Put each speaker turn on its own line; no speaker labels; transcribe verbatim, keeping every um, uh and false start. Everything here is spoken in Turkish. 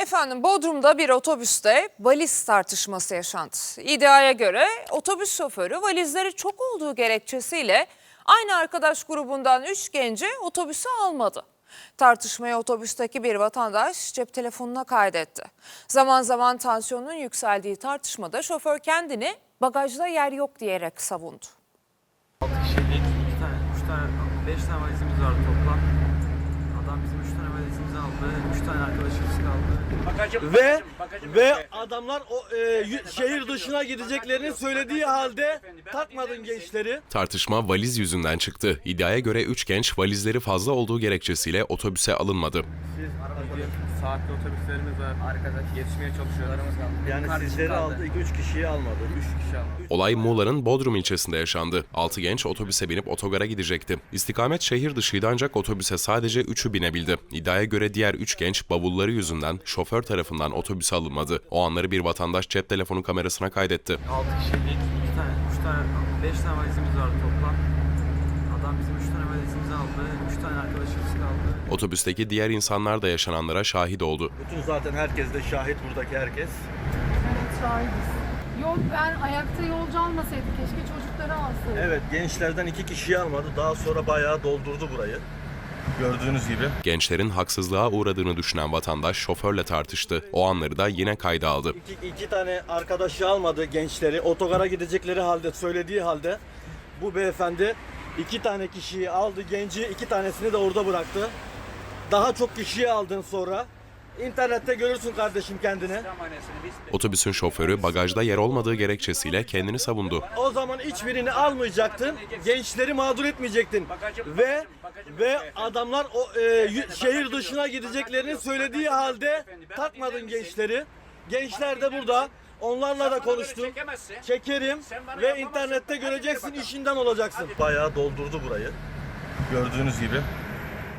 Efendim Bodrum'da bir otobüste valiz tartışması yaşandı. İddiaya göre otobüs şoförü valizleri çok olduğu gerekçesiyle aynı arkadaş grubundan üç genci otobüse almadı. Tartışmayı otobüsteki bir vatandaş cep telefonuna kaydetti. Zaman zaman tansiyonun yükseldiği tartışmada şoför kendini bagajda yer yok diyerek savundu.
altı kişilik iki tane, üç tane, beş tane valizimiz vardı toplam. Adam bizim üç tane valizimizi aldı. üç tane arkadaşımız kaldı.
Bakacım, ve bakacım, ve bakacım. Adamlar o e, şehir dışına gideceklerini söylediği halde takmadın gençleri.
Tartışma valiz yüzünden çıktı. İddiaya göre üç genç valizleri fazla olduğu gerekçesiyle otobüse alınmadı.
Siz bugün saatli otobüslerimiz var. Arkadaş yetişmeye çalışıyorlarımız kaldı.
Yani sizleri aldı, iki üç kişiyi almadı.
üç kişi aldı.
Olay Muğla'nın Bodrum ilçesinde yaşandı. altı genç otobüse binip otogara gidecekti. İstikamet şehir dışıydı ancak otobüse sadece üçü binebildi. İddiaya göre diğer üç genç bavulları yüzünden şoför tarafından otobüse alınmadı. O anları bir vatandaş cep telefonu kamerasına kaydetti.
altı kişilik iki tane, üç tane, beş tane valizimiz vardı toplam. Adam bizim üç tane valizimizi aldı. üç tane arkadaşımız kaldı.
Otobüsteki diğer insanlar da yaşananlara şahit oldu.
Bütün zaten herkes de şahit, buradaki herkes.
Evet, şahidiz. Yol, ben ayakta yolcu almasaydım, keşke çocukları alsaydım.
Evet, gençlerden iki kişiyi almadı. Daha sonra bayağı doldurdu burayı. Gördüğünüz gibi.
Gençlerin haksızlığa uğradığını düşünen vatandaş şoförle tartıştı. O anları da yine kayda aldı.
İki, iki tane arkadaşı almadı gençleri. Otogara gidecekleri halde, söylediği halde bu beyefendi iki tane kişiyi aldı, genci iki tanesini de orada bıraktı. Daha çok kişiyi aldın sonra. İnternette görürsün kardeşim kendini.
Otobüsün şoförü bagajda yer olmadığı gerekçesiyle kendini savundu.
O zaman hiçbirini almayacaktın, gençleri mağdur etmeyecektin ve ve adamlar o e, şehir dışına gideceklerini söylediği halde takmadın gençleri. Gençler de burada. Onlarla da konuştum. Çekerim ve internette göreceksin, işinden olacaksın. Bayağı doldurdu burayı. Gördüğünüz gibi.